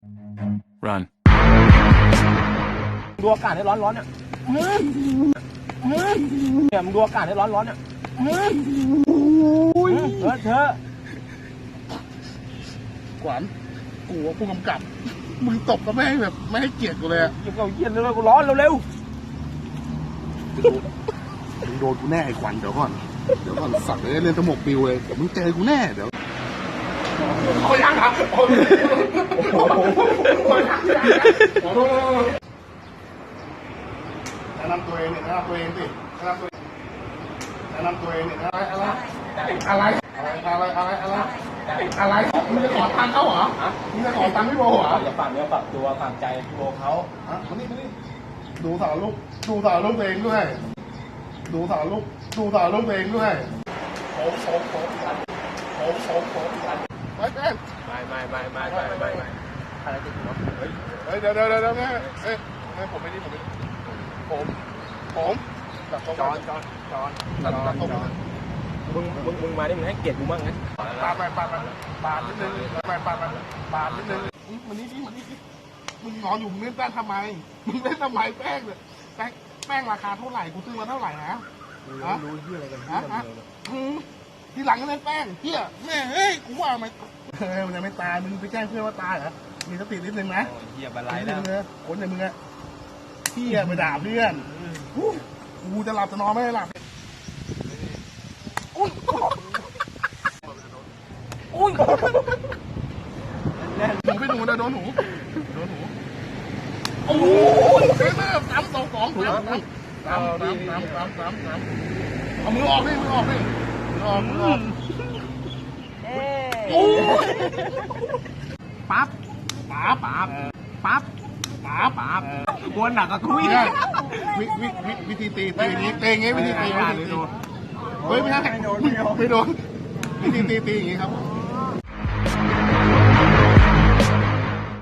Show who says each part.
Speaker 1: Run.
Speaker 2: ดูอากาศให้ร้อนๆเนี่ยเนี่ยมึงดูอากาศให้ร้อนๆเนี่ยเธอ
Speaker 3: ขวัญกูว่าผู้กำกับมึงตบก็ไม่ให้แบบไม่ให้เกียรติกูเลยอะ
Speaker 2: อย่าเอาเย็นเลยกูร้อนเร็ว
Speaker 3: มึงโดนกูแน่ไอ้ขวัญเดี๋ยวก่อนสัตว์เลยเล่นตะหมกปิวเลยเดี๋ยวมึงเจอกูแน่เดี๋ยวเขายังครับแนะนำตัวเองเนี่ยแนะนำตัวเองสิแนะนำตัวเองเนี่ยอะไรมึงจะขอตังค์เขาเหรอมึงจะขอตังค์พี่โบเหรอ
Speaker 2: อย่าฝังเนื้อฝังตัวฝังใจพี่โบเขา
Speaker 3: มานี่ดูสารลูกตัวเองด้วยดูสารลูกตัวเองด้วยผมไปแม่
Speaker 2: ไม่อะไรติดหัว
Speaker 3: เฮ้ยเดี๋ยวแม่ผมไม่ดีผมตัดตรง
Speaker 2: จอนมึงมาดิมึงให้เกียรติกูบ้างนะ
Speaker 3: ปาดนิดนึงมันนี่ดิมึงนอนอยู่มึงเล่นแป้งทำไมแป้งเนี่ยแป้งราคาเท่าไหร่กูซื้อมาเท่าไหร่นะ
Speaker 2: รู้เรื่องอะไรกัน
Speaker 3: ทีหลังก็เล่นแป้งเฮียแม่เฮ้ยกูว่ามันยังไม่ตายมึงไปแจ้งเพื่อนว่าตายเหรอมีสตินิดนึงนะ
Speaker 2: เหี้ยบอะไรแล้ว
Speaker 3: คนอย่างมึงอะเฮียไปด่าเพื่อนกูจะหลับจะนอนไม่ได้หลับหนูไปหนูนะโดนหนูโอ้ยเฮ้ยแม่3-2-2เอามือออกดิมือออกโอ้ยปั๊บ
Speaker 2: วนหนักกับคุย
Speaker 3: วิธีตีอย่างนี้วิธีตีเฮ้ยไม่ใช่ไม่โดนวิธีตีอย่างนี้ครับ